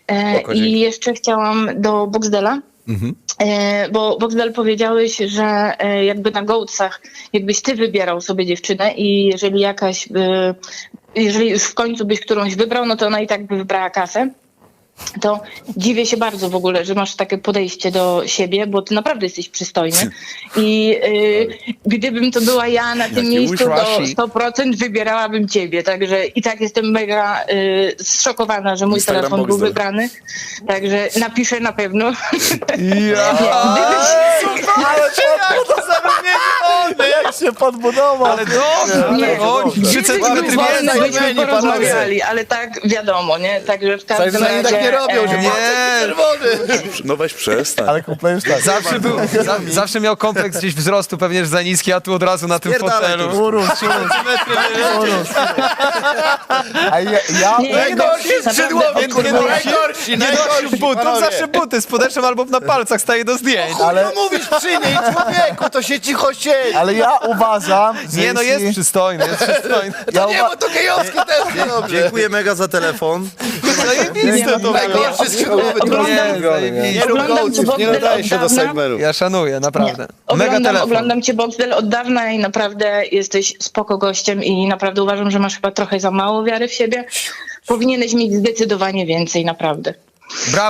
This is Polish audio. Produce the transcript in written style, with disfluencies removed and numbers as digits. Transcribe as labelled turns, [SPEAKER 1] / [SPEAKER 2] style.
[SPEAKER 1] I jeszcze chciałam do Boxdela, bo Boxdel powiedziałeś, że jakby na Goatsach, jakbyś ty wybierał sobie dziewczynę i jeżeli już w końcu byś którąś wybrał, no to ona i tak by wybrała kasę. To dziwię się bardzo w ogóle, że masz takie podejście do siebie, bo ty naprawdę jesteś przystojny. I gdybym to była ja na tym miejscu, to 100% wybierałabym ciebie. Także i tak jestem mega zszokowana, że mój
[SPEAKER 2] Instagram
[SPEAKER 1] telefon był
[SPEAKER 2] Boxdel.
[SPEAKER 1] wybrany. Także napiszę na pewno.
[SPEAKER 3] Ale to zarobienie, jak się podbudował.
[SPEAKER 4] Ale dobrze,
[SPEAKER 1] Nie,
[SPEAKER 4] o, 3 centymetry
[SPEAKER 1] wolno
[SPEAKER 4] więcej.
[SPEAKER 1] byśmy porozmawiali, ale tak wiadomo, nie? Także w każdym razie...
[SPEAKER 3] tak nie robią, że
[SPEAKER 4] Nie,
[SPEAKER 2] No weź przestań.
[SPEAKER 3] Ale kumple już tak.
[SPEAKER 4] zawsze miał kompleks gdzieś wzrostu, pewnie że za niski, a tu od razu na tym
[SPEAKER 2] Spierdalaj
[SPEAKER 4] fotelu.
[SPEAKER 2] tu.
[SPEAKER 3] Urósł. A ja
[SPEAKER 1] Nie,
[SPEAKER 4] Najgorsi skrzydłowi,
[SPEAKER 3] najgorsi,
[SPEAKER 4] nie nosił butów, zawsze buty z podeszwą albo na palcach staje do zdjęć.
[SPEAKER 3] ale,
[SPEAKER 5] Mówisz przy niej, człowieku, to się cicho siedzi.
[SPEAKER 3] ale ja uważam, że
[SPEAKER 4] Nie, no jest
[SPEAKER 3] jeśli-
[SPEAKER 4] przystojny, jest przystojny.
[SPEAKER 3] ja
[SPEAKER 5] Nie, bo to gejowski też nie dobrze.
[SPEAKER 2] Dziękuję mega za telefon.
[SPEAKER 4] Zajebiste to było.
[SPEAKER 5] Najgorszy skrzydłowy
[SPEAKER 4] Nie, zajebiście.
[SPEAKER 1] Oglądam cię
[SPEAKER 2] Nie nadaje się do
[SPEAKER 1] Boxdel od dawna.
[SPEAKER 2] Sigmeru.
[SPEAKER 4] Ja szanuję, naprawdę. Mega telefon.
[SPEAKER 1] Oglądam cię Boxdel od dawna i naprawdę jesteś spoko gościem i naprawdę uważam, że masz chyba trochę za mało wiary w siebie. Powinieneś mieć zdecydowanie więcej, naprawdę.
[SPEAKER 4] Brawo.